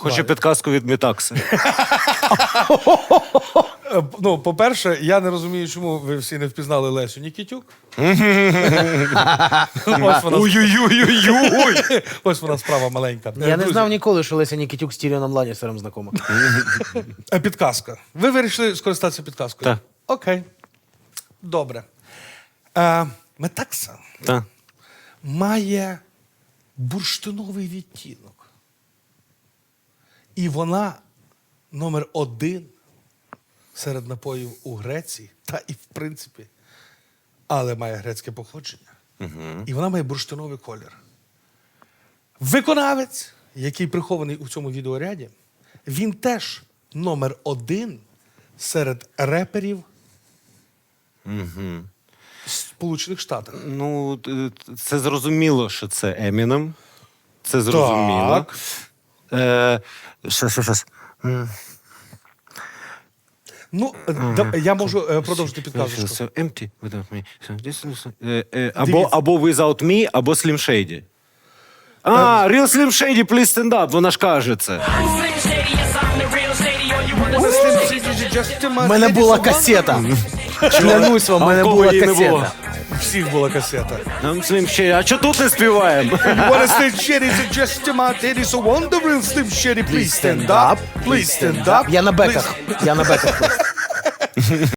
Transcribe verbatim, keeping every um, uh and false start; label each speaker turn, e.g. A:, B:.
A: Хочу підказку від Мітакси.
B: Е, Ну, по-перше, я не розумію, чому ви всі не впізнали Лесю Нікітюк. Ось вона,
A: Ой-ой-ой-ой-ой!
B: ось вона справа маленька. Е,
C: Я не
B: друзі,
C: знав ніколи, що Леся Нікітюк з Тіріоном Ланністером знакома.
B: е, Підказка. Ви вирішили скористатися підказкою?
A: Так.
B: Окей. Добре. Е, Метакса
A: Та.
B: має бурштиновий відтінок. І вона номер один серед напоїв у Греції, та і в принципі, але має грецьке походження. Угу. І вона має бурштиновий колір. Виконавець, який прихований у цьому відеоряді, він теж номер один серед реперів
A: Угу.
B: Сполучених Штатів.
A: Ну, т- це зрозуміло, що це Емінем. Це зрозуміло.
B: Так.
A: Е, що, що, що? М,
B: Ну, да- я можу е, продовжити підказочку.
A: So empty without me. So this is, е, е, або,
B: Дивіться.
A: або without me, або Slim Shady. А, Real Slim Shady, please stand up. Вона ж каже це.
C: У мене була касета. Клянусь вам, у
A: А
C: мене
A: в кого
C: була
A: її не було?
C: касета.
B: У всіх була касета.
A: Нам Slim Shady. А чого тут не співаємо?
B: What a Slim Shady, it's just a my titty, so on the real Slim Shady, please stand up, please stand up.
C: Я на беках. Я на беках.